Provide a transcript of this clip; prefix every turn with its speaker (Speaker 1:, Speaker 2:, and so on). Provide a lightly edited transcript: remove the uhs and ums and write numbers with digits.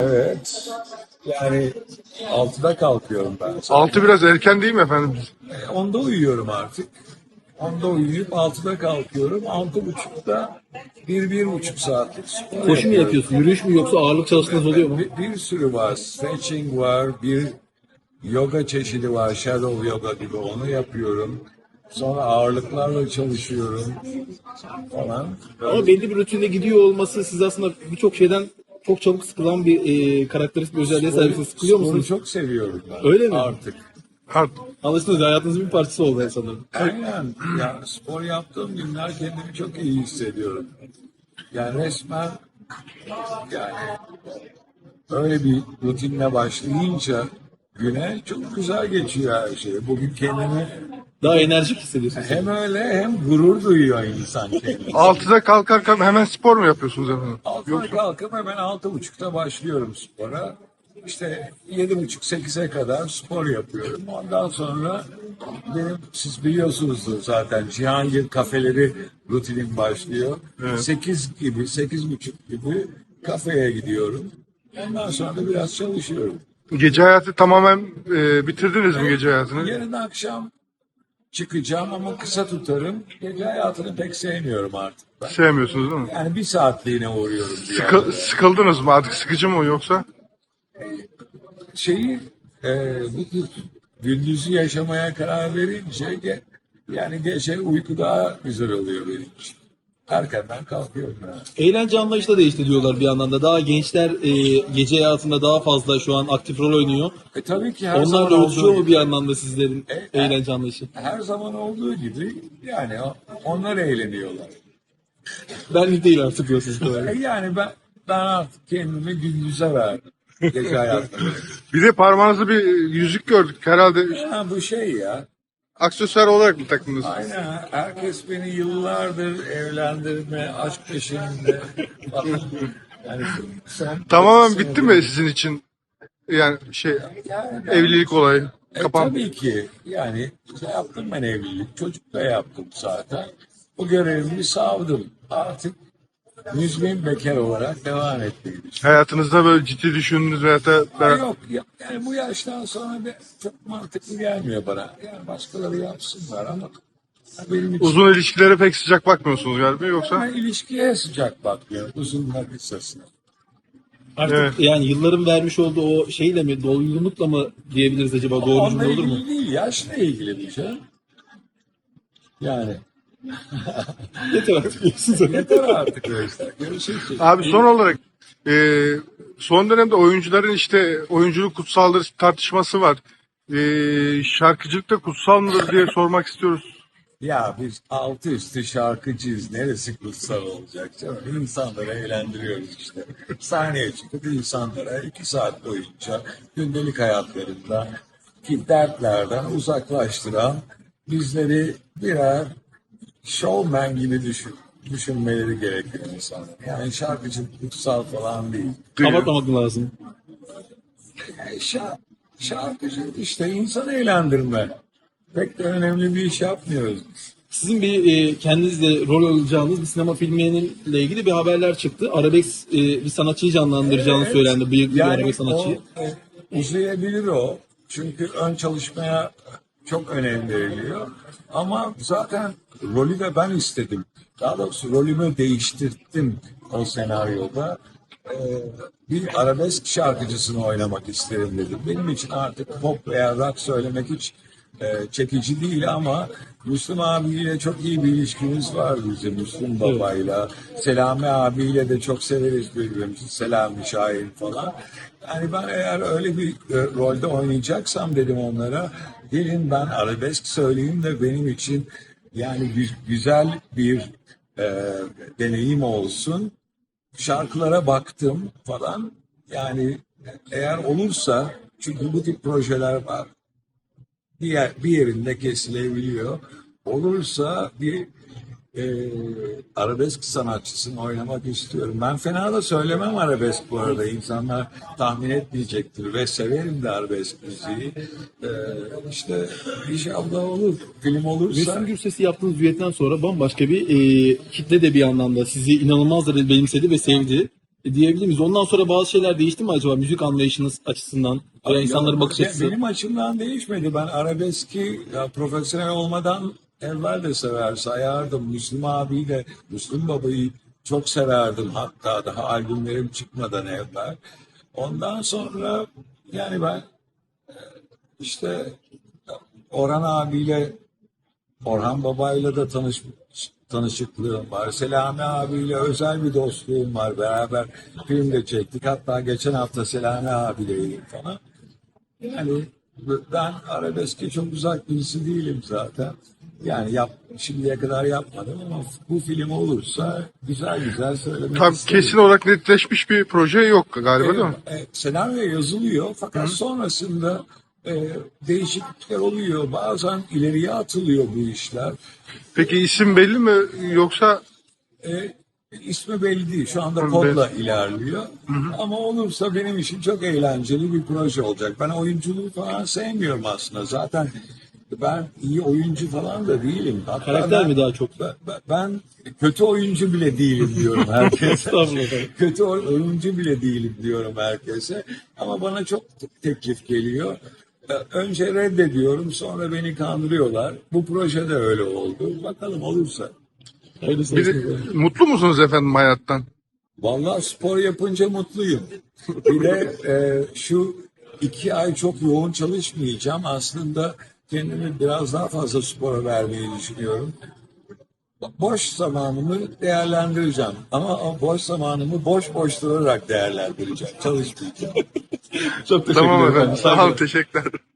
Speaker 1: Evet. Yani 6'da kalkıyorum ben.
Speaker 2: 6 biraz erken değil mi efendim?
Speaker 1: 10'da uyuyorum artık. 10'da uyuyup 6'da kalkıyorum. 6.30'da bir buçuk saatlik spor
Speaker 3: Koşu mu
Speaker 1: yapıyorum.
Speaker 3: yapıyorsun? Yürüyüş mü yoksa ağırlık çalıştığınız oluyor mu?
Speaker 1: Bir sürü var. Stretching var. Bir yoga çeşidi var. Shadow yoga gibi onu yapıyorum. Sonra ağırlıklarla çalışıyorum falan.
Speaker 3: Ama belli bir rutinde gidiyor olması siz aslında birçok şeyden çok çabuk sıkılan bir karakteristik bir özelliğe sahipsiniz. Sıkılıyor
Speaker 1: Sporu
Speaker 3: musunuz?
Speaker 1: çok seviyorum ben.
Speaker 3: Öyle mi?
Speaker 1: Artık.
Speaker 3: Anlaşılan hayatınızın bir parçası oldu sanırım.
Speaker 1: Aynen. Ya spor yaptığım günler kendimi çok iyi hissediyorum. Yani resmen yani öyle bir rutinle başlayınca güne çok güzel geçiyor her şey. Bugün kendimi
Speaker 3: Daha enerjik hissediyorsunuz.
Speaker 1: hem öyle hem gurur duyuyor insan kendini.
Speaker 2: 6'da kalkarken hemen spor mu yapıyorsunuz efendim?
Speaker 1: Altıda kalkıp hemen 6.30'da başlıyorum spora. İşte 7.30-8'e kadar spor yapıyorum. Ondan sonra benim siz biliyorsunuzdur zaten Cihangir kafeleri rutinim başlıyor. 8 gibi, 8.30 gibi kafeye gidiyorum. Ondan sonra da biraz çalışıyorum.
Speaker 2: Gece hayatı tamamen bitirdiniz mi gece hayatını?
Speaker 1: Yarın akşam çıkacağım ama kısa tutarım. Gece hayatını pek sevmiyorum artık ben.
Speaker 2: Sevmiyorsunuz değil mi?
Speaker 1: Yani bir saatliğine uğruyorum bir yerde.
Speaker 2: Sıkıldınız mı artık, sıkıcı mı yoksa?
Speaker 1: Şeyi bu gündüzü yaşamaya karar verince yani gece uyku daha güzel oluyor benim için. Erkenden kalkıyorum yani.
Speaker 3: Eğlence anlayışı da değişti diyorlar bir yandan da. Daha gençler gece hayatında daha fazla şu an aktif rol oynuyor.
Speaker 1: Tabii ki her
Speaker 3: Onlar
Speaker 1: zaman
Speaker 3: da
Speaker 1: olduğu
Speaker 3: ölçüyor mu
Speaker 1: gibi,
Speaker 3: bir yandan da sizlerin
Speaker 1: E,
Speaker 3: eğlence anlayışı?
Speaker 1: her zaman olduğu gibi yani onlar eğleniyorlar.
Speaker 3: Benlik değil artık diyorsunuz.
Speaker 1: Yani ben artık kendimi gündüze verdim. Gece hayatında.
Speaker 2: Bir de parmağınızda bir yüzük gördük herhalde.
Speaker 1: Ha, bu şey ya.
Speaker 2: Aksesuar olarak mı takındınız?
Speaker 1: Aynen. Herkes beni yıllardır evlendirme, aşk peşinde falan. Yani son
Speaker 2: Tamamen
Speaker 1: 30
Speaker 2: bitti
Speaker 1: senedir-
Speaker 2: mi sizin için? Yani
Speaker 1: Yani
Speaker 2: evlilik olayı. Kapan.
Speaker 1: tabii ki yani yaptım ben evlilik. Çocuk da yaptım zaten. Bu görevimi savdım. Artık müzmin bekar olarak devam etmeyi düşünüyorum.
Speaker 2: Hayatınızda böyle ciddi düşündüğünüz veyahut da
Speaker 1: Yok yani bu yaştan sonra çok mantıklı gelmiyor bana. Yani başkaları yapsınlar ama benim için
Speaker 2: uzun ilişkilere pek sıcak bakmıyorsunuz galiba yoksa?
Speaker 1: ben ilişkiye sıcak bakmıyorum. Uzunlar kısasına.
Speaker 3: Artık
Speaker 2: Evet.
Speaker 3: yani yılların vermiş olduğu o şeyle mi, doygunlukla mı diyebiliriz acaba? Doğru
Speaker 1: Onunla
Speaker 3: cümle olur mu?
Speaker 1: ilgili değil, yaşla ilgili bir şey. Yani
Speaker 3: Yeter artık diyorsunuz.
Speaker 1: yeter artık o işte. Görüşürüz.
Speaker 2: Abi son olarak son dönemde oyuncuların işte oyunculuk kutsaldır tartışması var. Şarkıcılık da kutsal mıdır diye sormak istiyoruz.
Speaker 1: Ya biz altı üstü şarkıcıyız. Neresi kutsal olacak canım? İnsanları eğlendiriyoruz işte. Sahneye çıkıp insanlara 2 saat boyunca gündelik hayatlarında ki dertlerden uzaklaştıran bizleri birer showman gibi düşünmeleri gerekiyor insanlar. Yani şarkıcılık kutsal falan değil.
Speaker 3: Kapatmamak lazım.
Speaker 1: Şarkıcılık işte insanı eğlendirme. Pek de önemli bir iş yapmıyoruz biz.
Speaker 3: Sizin bir kendinizle rol alacağınız bir sinema filmiyle ilgili bir haberler çıktı. Arabesk bir sanatçıyı canlandıracağını
Speaker 1: Evet.
Speaker 3: söylendi. Bıyıklı bir
Speaker 1: Yani
Speaker 3: arabesk sanatçıyı.
Speaker 1: uzayabilir o. Çünkü ön çalışmaya çok önem veriliyor. Ama zaten rolü de ben istedim. Daha doğrusu rolümü değiştirdim o senaryoda. Ee, Bir arabesk şarkıcısını oynamak isterim dedim. Benim için artık pop veya rock söylemek hiç çekici değil ama Müslüm abiyle çok iyi bir ilişkimiz var bizim Müslüm babayla. Selami abiyle de çok severiz birbirimizi. Selami Şahin falan. Yani ben eğer öyle bir rolde oynayacaksam dedim onlara gelin ben arabesk söyleyeyim de benim için yani güzel bir deneyim olsun. Şarkılara baktım falan. Yani eğer olursa çünkü bu tip projeler var. Bir yerinde kesilebiliyor. Olursa bir arabesk sanatçısını oynamak istiyorum. Ben fena da söylemem arabesk bu arada. İnsanlar tahmin etmeyecektir ve severim de arabesk müziği. İşte inşallah olur. Film olursa.
Speaker 3: Müslüm Gürses'i yaptığınız düetten sonra bambaşka bir kitle de bir anlamda sizi inanılmaz derecede benimsedi ve sevdi. diyebilir miyiz? Ondan sonra bazı şeyler değişti mi acaba müzik anlayışınız açısından veya insanların bakış açısı?
Speaker 1: Benim açımdan değişmedi. Ben arabeski profesyonel olmadan evvel de sayardım. Müslüm abiyi de, Müslüm babayı çok severdim. Hatta daha albümlerim çıkmadan evvel. Ondan sonra yani ben işte Orhan abiyle, Orhan babayla da tanışıklığım var. Selami abiyle özel bir dostluğum var. Beraber film de çektik. Hatta geçen hafta Selami abiyleydik falan. Yani ben arabeske çok uzak birisi değilim zaten. Yani şimdiye kadar yapmadım ama bu film olursa güzel güzel söylemek
Speaker 2: Tam
Speaker 1: isterim.
Speaker 2: kesin olarak netleşmiş bir proje yok galiba, değil mi?
Speaker 1: Senaryo yazılıyor fakat sonrasında değişiklikler oluyor. Bazen ileriye atılıyor bu işler.
Speaker 2: Peki isim belli mi yoksa
Speaker 1: İsmi belli değil. Şu anda
Speaker 2: Hı,
Speaker 1: kodla ilerliyor. Ama olursa benim için çok eğlenceli bir proje olacak. Ben oyunculuğu falan sevmiyorum aslında. Zaten ben iyi oyuncu falan da değilim. Hatta
Speaker 3: Karakter mi daha çok?
Speaker 1: Ben kötü oyuncu bile değilim diyorum herkese.
Speaker 3: Estağfurullah efendim.
Speaker 1: Kötü oyuncu bile değilim diyorum herkese. Ama bana çok teklif geliyor. Önce reddediyorum, sonra beni kandırıyorlar. Bu proje de öyle oldu. Bakalım olursa.
Speaker 3: Hayırlısı
Speaker 2: bir
Speaker 3: olsun
Speaker 2: de,
Speaker 3: efendim.
Speaker 2: mutlu musunuz efendim hayattan?
Speaker 1: Vallahi spor yapınca mutluyum. Bir de şu 2 ay çok yoğun çalışmayacağım. Aslında kendimi biraz daha fazla spora vermeyi düşünüyorum. Boş zamanımı değerlendireceğim. Ama o boş zamanımı boş durarak değerlendireceğim. Çalışmayacağım.
Speaker 3: Çok teşekkür
Speaker 2: Tamam
Speaker 3: ederim.
Speaker 2: efendim. Sağ olun, teşekkürler.